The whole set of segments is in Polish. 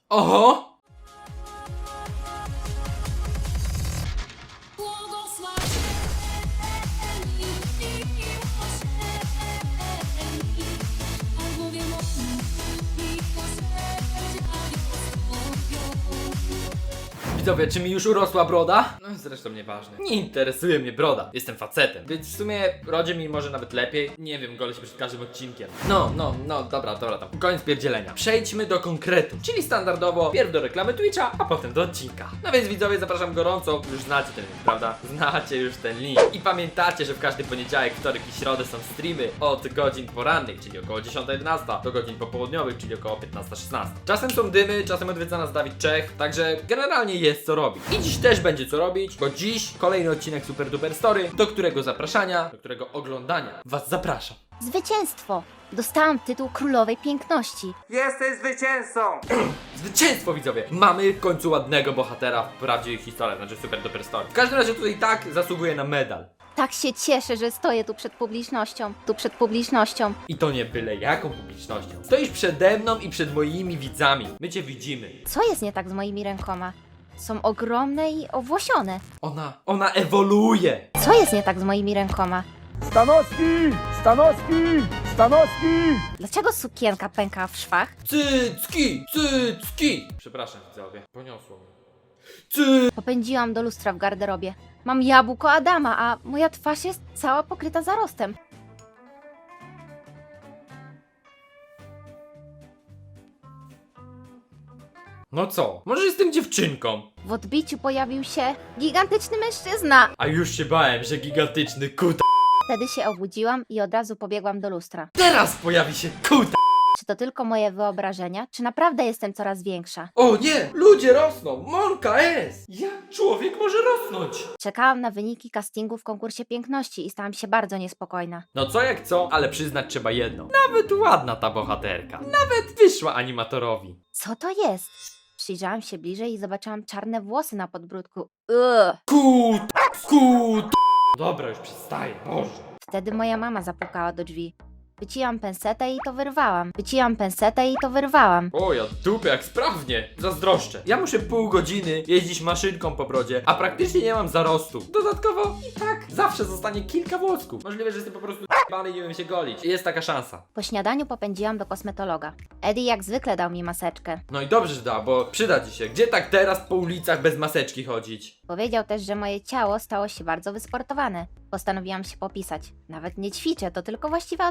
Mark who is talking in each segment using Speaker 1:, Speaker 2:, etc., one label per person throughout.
Speaker 1: Oho! Widzowie, czy mi już urosła broda? No zresztą nieważne. Nie interesuje mnie broda. Jestem facetem. Więc w sumie rodzi mi może nawet lepiej. Nie wiem, golę się przed każdym odcinkiem. Dobra, tam. Koniec pierdzielenia. Przejdźmy do konkretu. Czyli standardowo pierw do reklamy Twitcha, a potem do odcinka. No więc widzowie, zapraszam gorąco. Już znacie ten link, prawda? Znacie już ten link. I pamiętacie, że w każdy poniedziałek, wtorek i środę są streamy od godzin porannych, czyli około 10-11, do godzin popołudniowych, czyli około 15-16. Czasem są dymy, czasem odwiedza nas Dawid Czech, także generalnie jest co robić. I dziś też będzie co robić, bo dziś kolejny odcinek Super Duper Story, do którego zapraszania, do którego oglądania was zapraszam.
Speaker 2: Zwycięstwo! Dostałam tytuł Królowej Piękności.
Speaker 3: Jesteś zwycięzcą!
Speaker 1: Zwycięstwo, widzowie! Mamy w końcu ładnego bohatera w prawdziwej historii, znaczy Super Duper Story. W każdym razie tutaj tak zasługuje na medal.
Speaker 2: Tak się cieszę, że stoję tu przed publicznością.
Speaker 1: I to nie byle jaką publicznością. Stoisz przede mną i przed moimi widzami. My cię widzimy.
Speaker 2: Co jest nie tak z moimi rękoma? Są ogromne i owłosione.
Speaker 1: Ona ewoluuje.
Speaker 2: Co jest nie tak z moimi rękoma?
Speaker 3: Stanowski!
Speaker 2: Dlaczego sukienka pęka w szwach?
Speaker 1: Cycki! Przepraszam, widzowie. Poniosło mnie.
Speaker 2: Popędziłam do lustra w garderobie. Mam jabłko Adama, a moja twarz jest cała pokryta zarostem.
Speaker 1: No co? Może jestem dziewczynką?
Speaker 2: W odbiciu pojawił się gigantyczny mężczyzna.
Speaker 1: A już się bałem, że gigantyczny kuta.
Speaker 2: Wtedy się obudziłam i od razu pobiegłam do lustra.
Speaker 1: Teraz pojawi się kuta.
Speaker 2: Czy to tylko moje wyobrażenia, czy naprawdę jestem coraz większa?
Speaker 1: O nie! Ludzie rosną! Monka jest! Jak człowiek może rosnąć?
Speaker 2: Czekałam na wyniki castingu w konkursie piękności i stałam się bardzo niespokojna.
Speaker 1: No co jak co, ale przyznać trzeba jedno. Nawet ładna ta bohaterka. Nawet wyszła animatorowi.
Speaker 2: Co to jest? Przyjrzałam się bliżej i zobaczyłam czarne włosy na podbródku.
Speaker 1: Kut! Dobra, już przestaję, Boże.
Speaker 2: Wtedy moja mama zapukała do drzwi. Wyciłam pensetę i to wyrwałam.
Speaker 1: O, ja dupę jak sprawnie. Zazdroszczę. Ja muszę pół godziny jeździć maszynką po brodzie, a praktycznie nie mam zarostu. Dodatkowo i tak zawsze zostanie kilka włosków. Możliwe, że jestem po prostu bany i nie wiem się golić. Jest taka szansa.
Speaker 2: Po śniadaniu popędziłam do kosmetologa. Eddie jak zwykle dał mi maseczkę.
Speaker 1: No i dobrze, że da, bo przyda ci się. Gdzie tak teraz po ulicach bez maseczki chodzić?
Speaker 2: Powiedział też, że moje ciało stało się bardzo wysportowane. Postanowiłam się popisać. Nawet nie ćwiczę, to tylko właściwe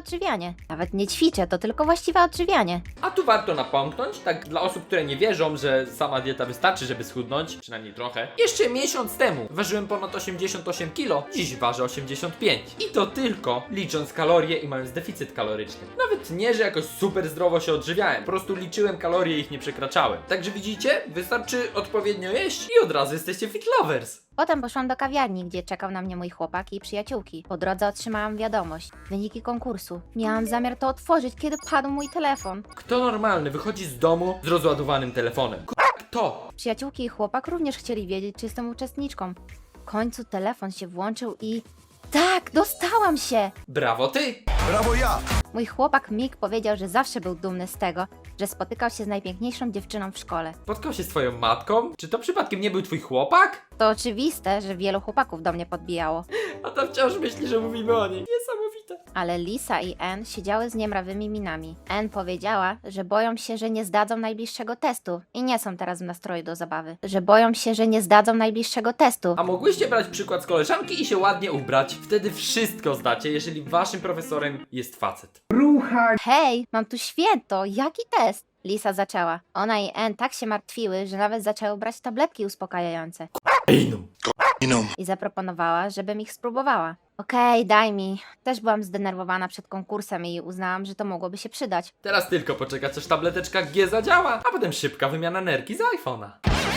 Speaker 2: odżywianie.
Speaker 1: A tu warto napomknąć, tak dla osób, które nie wierzą, że sama dieta wystarczy, żeby schudnąć, przynajmniej trochę. Jeszcze miesiąc temu ważyłem ponad 88 kg, dziś ważę 85. I to tylko licząc kalorie i mając deficyt kaloryczny. Nawet nie, że jakoś super zdrowo się odżywiałem, po prostu liczyłem kalorie i ich nie przekraczałem. Także widzicie, wystarczy odpowiednio jeść i od razu jesteście fit lovers.
Speaker 2: Potem poszłam do kawiarni, gdzie czekał na mnie mój chłopak i przyjaciółki. Po drodze otrzymałam wiadomość. Wyniki konkursu. Miałam zamiar to otworzyć, kiedy padł mój telefon.
Speaker 1: Kto normalny wychodzi z domu z rozładowanym telefonem? Kto?
Speaker 2: Przyjaciółki i chłopak również chcieli wiedzieć, czy jestem uczestniczką. W końcu telefon się włączył i... Tak, dostałam się!
Speaker 1: Brawo ty!
Speaker 3: Brawo ja!
Speaker 2: Mój chłopak Mick powiedział, że zawsze był dumny z tego, że spotykał się z najpiękniejszą dziewczyną w szkole.
Speaker 1: Spotkał się z twoją matką? Czy to przypadkiem nie był twój chłopak?
Speaker 2: To oczywiste, że wielu chłopaków do mnie podbijało.
Speaker 1: A ta wciąż myśli, że mówimy o niej. Niesamowite.
Speaker 2: Ale Lisa i Ann siedziały z niemrawymi minami. Ann powiedziała, że boją się, że nie zdadzą najbliższego testu i nie są teraz w nastroju do zabawy.
Speaker 1: A mogłyście brać przykład z koleżanki i się ładnie ubrać? Wtedy wszystko zdacie, jeżeli waszym profesorem jest facet.
Speaker 2: Hej, mam tu święto, jaki test? Lisa zaczęła. Ona i Ann tak się martwiły, że nawet zaczęły brać tabletki uspokajające. I zaproponowała, żebym ich spróbowała. Okej, daj mi. Też byłam zdenerwowana przed konkursem i uznałam, że to mogłoby się przydać.
Speaker 1: Teraz tylko poczekać, aż tableteczka G zadziała, a potem szybka wymiana energii z iPhone'a.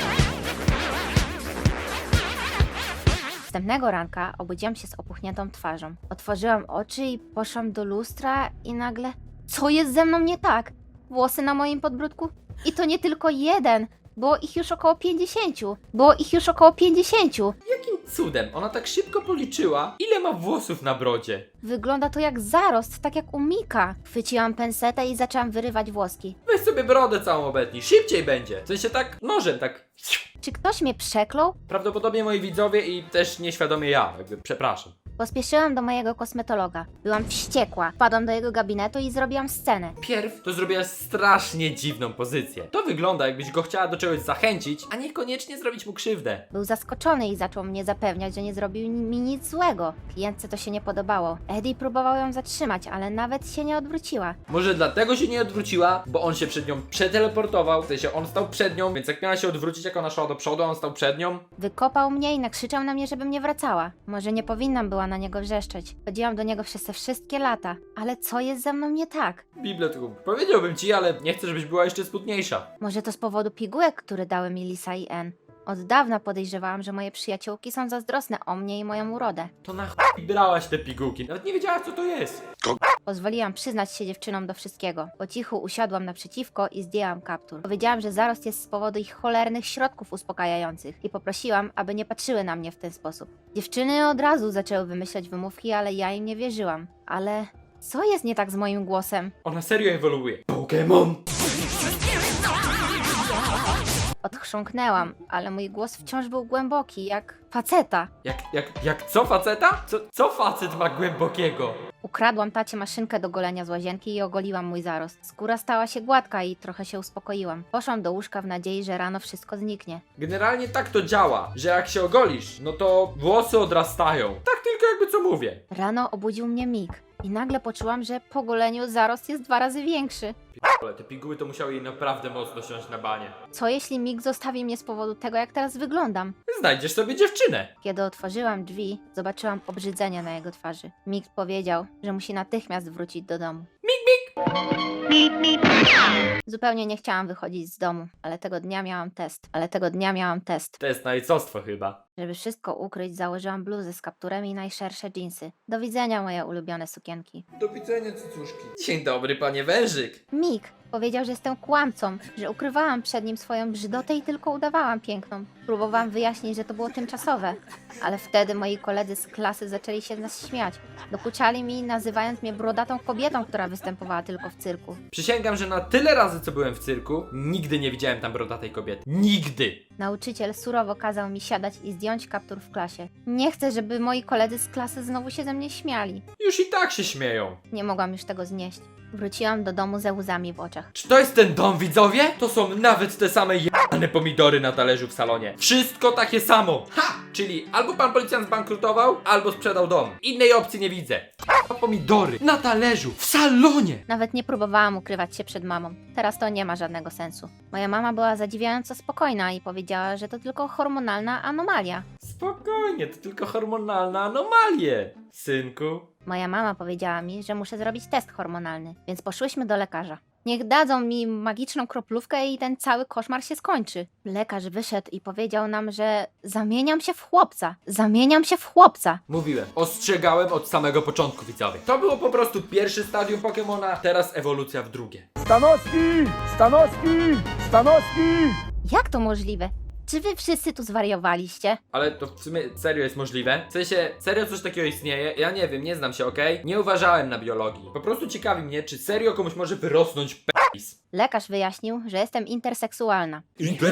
Speaker 2: Następnego ranka obudziłam się z opuchniętą twarzą. Otworzyłam oczy i poszłam do lustra i nagle... Co jest ze mną nie tak? Włosy na moim podbródku? I to nie tylko jeden, Było ich już około 50. Było ich już około 50.
Speaker 1: Jakim cudem ona tak szybko policzyła, ile ma włosów na brodzie?
Speaker 2: Wygląda to jak zarost, tak jak u Mika. Chwyciłam pensetę i zaczęłam wyrywać włoski.
Speaker 1: Weź sobie brodę całą obetnij, szybciej będzie. W sensie tak nożem, tak...
Speaker 2: Czy ktoś mnie przeklął?
Speaker 1: Prawdopodobnie moi widzowie i też nieświadomie ja, jakby przepraszam.
Speaker 2: Pospieszyłam do mojego kosmetologa. Byłam wściekła. Wpadłam do jego gabinetu i zrobiłam scenę.
Speaker 1: Pierw to zrobiłaś strasznie dziwną pozycję. To wygląda, jakbyś go chciała do czegoś zachęcić, a niekoniecznie zrobić mu krzywdę.
Speaker 2: Był zaskoczony i zaczął mnie zapewniać, że nie zrobił mi nic złego. Klientce to się nie podobało. Eddie próbował ją zatrzymać, ale nawet się nie odwróciła.
Speaker 1: Może dlatego się nie odwróciła, bo on się przed nią przeteleportował, w sensie on stał przed nią, więc jak miała się odwrócić, jak ona szła do przodu, on stał przed nią.
Speaker 2: Wykopał mnie i nakrzyczał na mnie, żebym nie wracała. Może nie powinnam była na niego wrzeszczeć. Chodziłam do niego przez te wszystkie lata. Ale co jest ze mną nie tak?
Speaker 1: Biblioteku, powiedziałbym ci, ale nie chcę, żebyś była jeszcze smutniejsza.
Speaker 2: Może to z powodu pigułek, które dały mi Lisa i Ann. Od dawna podejrzewałam, że moje przyjaciółki są zazdrosne o mnie i moją urodę.
Speaker 1: To na chuj brałaś te pigułki, nawet nie wiedziałaś co to jest.
Speaker 2: Pozwoliłam przyznać się dziewczynom do wszystkiego. Po cichu usiadłam naprzeciwko i zdjęłam kaptur. Powiedziałam, że zarost jest z powodu ich cholernych środków uspokajających i poprosiłam, aby nie patrzyły na mnie w ten sposób. Dziewczyny od razu zaczęły wymyślać wymówki, ale ja im nie wierzyłam. Ale co jest nie tak z moim głosem?
Speaker 1: Ona serio ewoluuje. Pokémon!
Speaker 2: Odchrząknęłam, ale mój głos wciąż był głęboki, jak faceta.
Speaker 1: Jak co faceta? Co facet ma głębokiego?
Speaker 2: Ukradłam tacie maszynkę do golenia z łazienki i ogoliłam mój zarost. Skóra stała się gładka i trochę się uspokoiłam. Poszłam do łóżka w nadziei, że rano wszystko zniknie.
Speaker 1: Generalnie tak to działa, że jak się ogolisz, no to włosy odrastają. Tak tylko jakby co mówię.
Speaker 2: Rano obudził mnie Mik i nagle poczułam, że po goleniu zarost jest 2 razy większy.
Speaker 1: Ale te piguły to musiały jej naprawdę mocno siąść na banie.
Speaker 2: Co jeśli Mik zostawi mnie z powodu tego, jak teraz wyglądam?
Speaker 1: Znajdziesz sobie dziewczynę.
Speaker 2: Kiedy otworzyłam drzwi, zobaczyłam obrzydzenie na jego twarzy. Mik powiedział, że musi natychmiast wrócić do domu. Zupełnie nie chciałam wychodzić z domu, ale tego dnia miałam test.
Speaker 1: Test na ojcostwo chyba.
Speaker 2: Żeby wszystko ukryć, założyłam bluzę z kapturem i najszersze dżinsy. Do widzenia, moje ulubione sukienki.
Speaker 1: Do widzenia, cycuszki. Dzień dobry, panie wężyk.
Speaker 2: Mik powiedział, że jestem kłamcą, że ukrywałam przed nim swoją brzydotę i tylko udawałam piękną. Próbowałam wyjaśnić, że to było tymczasowe, ale wtedy moi koledzy z klasy zaczęli się z nas śmiać. Dokuczali mi, nazywając mnie brodatą kobietą, która występowała tylko w cyrku.
Speaker 1: Przysięgam, że na tyle razy, co byłem w cyrku, nigdy nie widziałem tam brodatej kobiety. Nigdy!
Speaker 2: Nauczyciel surowo kazał mi siadać i zdjąć kaptur w klasie. Nie chcę, żeby moi koledzy z klasy znowu się ze mnie śmiali.
Speaker 1: Już i tak się śmieją.
Speaker 2: Nie mogłam już tego znieść. Wróciłam do domu ze łzami w oczach.
Speaker 1: Czy to jest ten dom, widzowie? To są nawet te same jebane pomidory na talerzu w salonie. Wszystko takie samo. Ha! Czyli albo pan policjant zbankrutował, albo sprzedał dom. Innej opcji nie widzę. Pomidory na talerzu, w salonie!
Speaker 2: Nawet nie próbowałam ukrywać się przed mamą. Teraz to nie ma żadnego sensu. Moja mama była zadziwiająco spokojna i powiedziała, że to tylko hormonalna anomalia.
Speaker 1: Spokojnie, to tylko hormonalna anomalie, synku.
Speaker 2: Moja mama powiedziała mi, że muszę zrobić test hormonalny, więc poszłyśmy do lekarza. Niech dadzą mi magiczną kroplówkę i ten cały koszmar się skończy. Lekarz wyszedł i powiedział nam, że zamieniam się w chłopca. Zamieniam się w chłopca.
Speaker 1: Mówiłem, ostrzegałem od samego początku, widzowie. To było po prostu pierwsze stadium Pokemona, teraz ewolucja w drugie.
Speaker 3: Stanowski! Stanowski! Stanowski!
Speaker 2: Jak to możliwe? Czy wy wszyscy tu zwariowaliście?
Speaker 1: Ale to w sumie serio jest możliwe? W sensie, serio coś takiego istnieje? Ja nie wiem, nie znam się, okej? Nie uważałem na biologii. Po prostu ciekawi mnie, czy serio komuś może wyrosnąć penis.
Speaker 2: Lekarz wyjaśnił, że jestem interseksualna.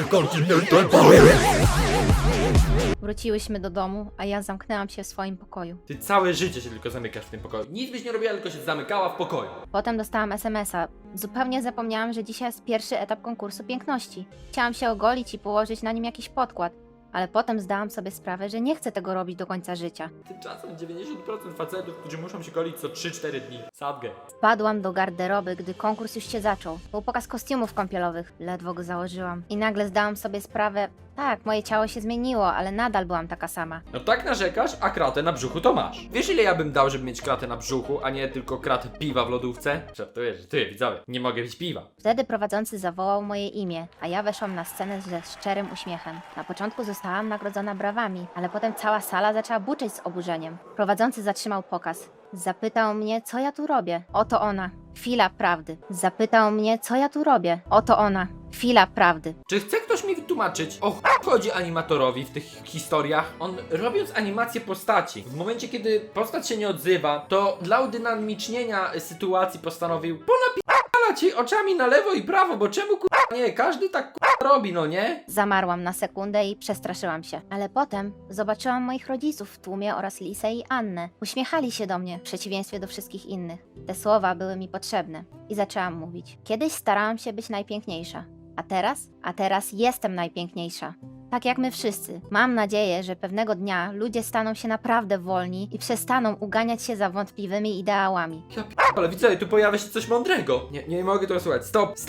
Speaker 2: Wróciłyśmy do domu, a ja zamknęłam się w swoim pokoju.
Speaker 1: Ty całe życie się tylko zamykasz w tym pokoju. Nic byś nie robiła, tylko się zamykała w pokoju.
Speaker 2: Potem dostałam SMS-a. Zupełnie zapomniałam, że dzisiaj jest pierwszy etap konkursu piękności. Chciałam się ogolić i położyć na nim jakiś podkład, ale potem zdałam sobie sprawę, że nie chcę tego robić do końca życia.
Speaker 1: Tymczasem 90% facetów, którzy muszą się golić co 3-4 dni. Sadgę.
Speaker 2: Wpadłam do garderoby, gdy konkurs już się zaczął. Był pokaz kostiumów kąpielowych. Ledwo go założyłam. I nagle zdałam sobie sprawę, tak, moje ciało się zmieniło, ale nadal byłam taka sama.
Speaker 1: No tak narzekasz, a kratę na brzuchu to masz. Wiesz ile ja bym dał, żeby mieć kratę na brzuchu, a nie tylko kratę piwa w lodówce? Żartuję, że ty, widzowie, nie mogę pić piwa.
Speaker 2: Wtedy prowadzący zawołał moje imię, a ja weszłam na scenę ze szczerym uśmiechem. Na początku zostałam nagrodzona brawami, ale potem cała sala zaczęła buczeć z oburzeniem. Prowadzący zatrzymał pokaz. Zapytał mnie, co ja tu robię. Oto ona. Chwila prawdy. Zapytał mnie, co ja tu robię. Oto ona. Chwila prawdy.
Speaker 1: Czy chce ktoś mi wytłumaczyć, o chodzi animatorowi w tych historiach? On, robiąc animację postaci, w momencie kiedy postać się nie odzywa, to dla udynamicznienia sytuacji postanowił ponapierdalać jej oczami na lewo i prawo, bo czemu nie? Każdy tak robi, no nie?
Speaker 2: Zamarłam na sekundę i przestraszyłam się. Ale potem zobaczyłam moich rodziców w tłumie oraz Lisę i Annę. Uśmiechali się do mnie, w przeciwieństwie do wszystkich innych. Te słowa były mi potrzebne. I zaczęłam mówić. Kiedyś starałam się być najpiękniejsza. A teraz jestem najpiękniejsza. Tak jak my wszyscy. Mam nadzieję, że pewnego dnia ludzie staną się naprawdę wolni i przestaną uganiać się za wątpliwymi ideałami.
Speaker 1: Ja ale widzę, tu pojawia się coś mądrego. Nie mogę tego słuchać.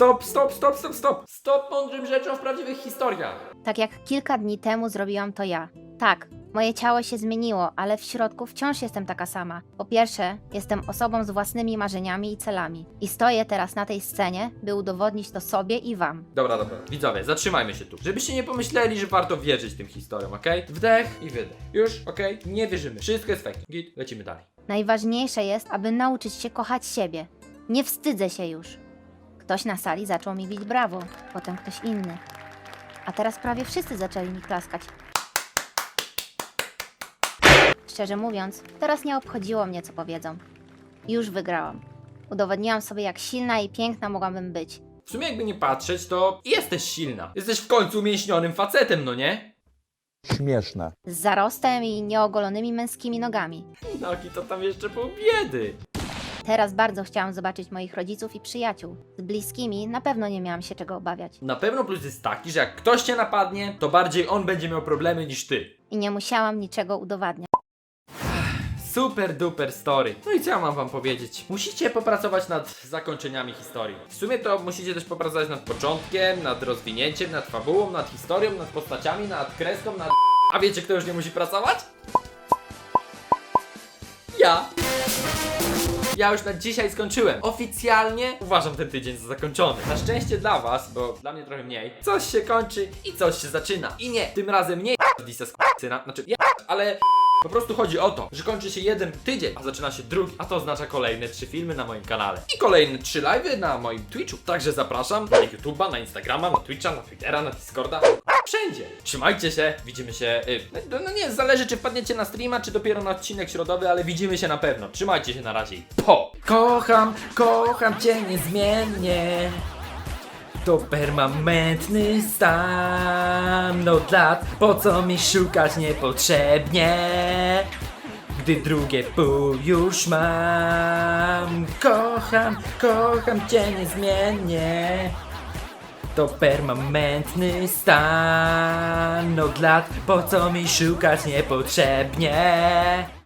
Speaker 1: Stop mądrym rzeczom w prawdziwych historiach.
Speaker 2: Tak jak kilka dni temu zrobiłam to ja. Tak, moje ciało się zmieniło, ale w środku wciąż jestem taka sama. Po pierwsze, jestem osobą z własnymi marzeniami i celami. I stoję teraz na tej scenie, by udowodnić to sobie i wam.
Speaker 1: Dobra. Widzowie, zatrzymajmy się tu. Żebyście nie pomyśleli, że warto wierzyć tym historiom, okej? Wdech i wydech. Już, okej? Nie wierzymy. Wszystko jest fake. Git, lecimy dalej.
Speaker 2: Najważniejsze jest, aby nauczyć się kochać siebie. Nie wstydzę się już. Ktoś na sali zaczął mi bić brawo, potem ktoś inny. A teraz prawie wszyscy zaczęli mi klaskać. Szczerze mówiąc, teraz nie obchodziło mnie, co powiedzą. Już wygrałam. Udowodniłam sobie, jak silna i piękna mogłabym być.
Speaker 1: W sumie jakby nie patrzeć, to jesteś silna. Jesteś w końcu umięśnionym facetem, no nie?
Speaker 3: Śmieszne.
Speaker 2: Z zarostem i nieogolonymi męskimi nogami.
Speaker 1: Nogi to tam jeszcze pół biedy.
Speaker 2: Teraz bardzo chciałam zobaczyć moich rodziców i przyjaciół. Z bliskimi na pewno nie miałam się czego obawiać.
Speaker 1: Na pewno plus jest taki, że jak ktoś cię napadnie, to bardziej on będzie miał problemy niż ty.
Speaker 2: I nie musiałam niczego udowadniać.
Speaker 1: Super duper story. No i co ja mam wam powiedzieć? Musicie popracować nad zakończeniami historii. W sumie to musicie też popracować nad początkiem, nad rozwinięciem, nad fabułą, nad historią, nad postaciami, nad kreską, nad... A wiecie, kto już nie musi pracować? Ja. Ja już na dzisiaj skończyłem. Oficjalnie uważam ten tydzień za zakończony. Na szczęście dla was, bo dla mnie trochę mniej, coś się kończy i coś się zaczyna. I nie, tym razem nie Lisa z syna, znaczy ale po prostu chodzi o to, że kończy się jeden tydzień, a zaczyna się drugi, a to oznacza kolejne 3 filmy na moim kanale i kolejne 3 live'y na moim Twitchu. Także zapraszam na YouTube'a, na Instagrama, na Twitcha, na Twittera, na Discorda, wszędzie. Trzymajcie się, widzimy się, no nie, zależy czy wpadniecie na streama, czy dopiero na odcinek środowy, ale widzimy się na pewno. Trzymajcie się na razie i po! Kocham cię niezmiennie. To permanentny stan od lat, po co mi szukać niepotrzebnie, gdy drugie pół już mam. Kocham cię niezmiennie. To permanentny stan od lat, po co mi szukać niepotrzebnie.